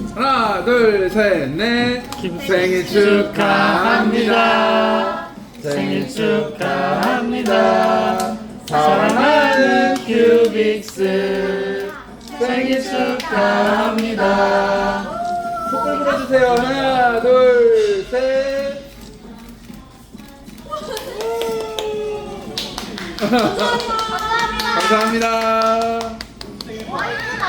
하나, 둘, 셋, 넷. 생일 축하합니다. 생일 축하합니다. 사랑하는 큐빅스 생일 축하합니다. 촛불 불어주세요. 하나, 둘, 셋. 감사합니다. 와 이쁘다.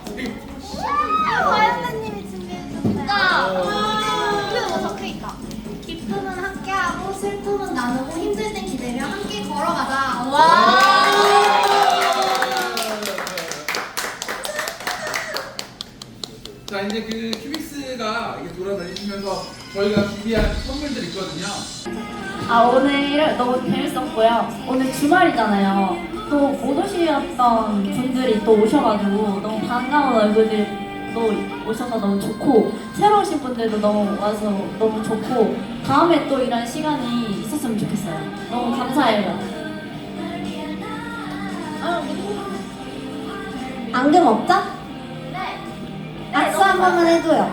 과연님이 준비해주셨어요. 근데 뭐 적혀있다. 기쁨은 함께하고 슬픔은 나누고 힘들 땐 기대며 함께 걸어가자. 와. 자, 이제 그 큐빅스가 이게 돌아다니시면서 저희가 준비한 선물들 있거든요. 오늘 너무 재밌었고요. 오늘 주말이잖아요. 또 못 오셨던 분들이 또 오셔가지고 너무 반가운 얼굴들 또 오셔서 너무 좋고, 새로 오신 분들도 너무 와서 너무 좋고, 다음에 또 이런 시간이 있었으면 좋겠어요. 너무 감사해요. 앙금 없죠? 네. 악수 한 번만 해줘요.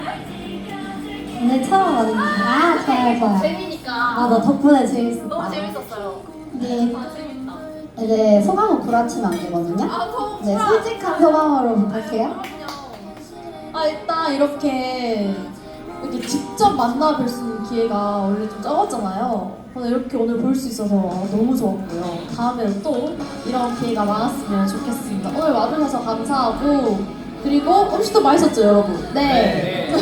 오늘 처음 왔는데. 좋아요. 재미니까. 너 덕분에 재밌었다. 너무 재밌었어요. 네. 재밌다. 이제 소감은 구라치면 안 되거든요. 네, 솔직한 소감으로 부탁해요. 일단 이렇게 직접 만나 뵐 수 있는 기회가 원래 좀 적었잖아요. 오늘 이렇게 오늘 볼 수 있어서 너무 좋았고요. 다음에는 또 이런 기회가 많았으면 좋겠습니다. 오늘 와주셔서 감사하고, 그리고 음식도 맛있었죠, 여러분? 네.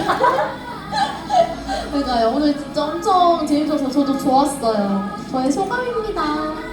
그러니까요. 오늘 진짜 엄청 재밌어서 저도 좋았어요. 저의 소감입니다.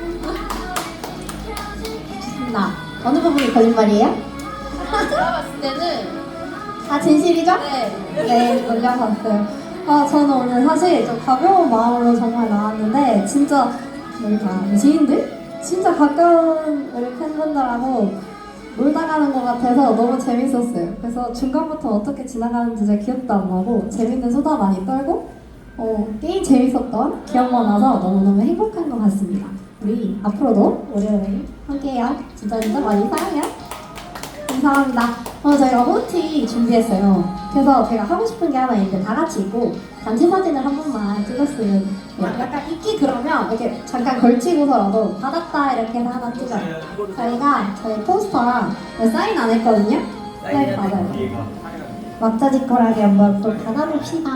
좋습니다. 어느 부분이 거짓말이에요? 제가 봤을 때는 진실이죠? 네. 네, 놀려봤어요. 저는 오늘 사실 좀 가벼운 마음으로 정말 나왔는데, 진짜 지인들? 진짜 가까운 우리 팬분들하고 놀다 가는 것 같아서 너무 재밌었어요. 그래서 중간부터 어떻게 지나가는지 잘 기억도 안 나고, 재밌는 수다 많이 떨고, 게임 재밌었던 기억만 나서 너무너무 행복한 것 같습니다. 우리 앞으로도 오래오래 함께해요. 진짜 많이 사랑해요. 감사합니다. 저희가 호티 준비했어요. 그래서 제가 하고 싶은 게 하나 있는데, 다 같이 있고 단체 사진을 한 번만 찍었으면 약간 있기, 그러면 이렇게 잠깐 걸치고서라도 받았다 이렇게 해서 하나 찍어요. 저희가 저희 포스터랑 사인 안 했거든요. 사인 받아요. 막자지껄하게 한번 또 받아봅시다.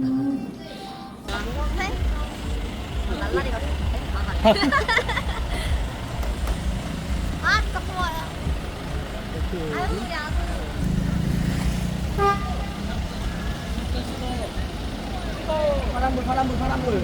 진짜 고마워요. 아유, 우리 아들. 파란불.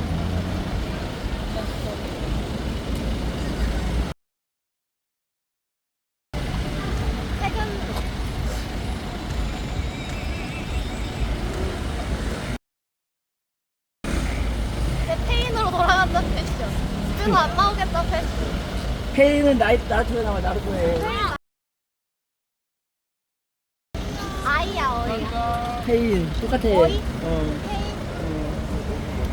내 페인으로 돌아간다 패션. 집에서 안 나오겠다 패션. 페이는 나한테 나와, 나루토 해. 아이야 어이야. 페인 똑같아. 어이? 어.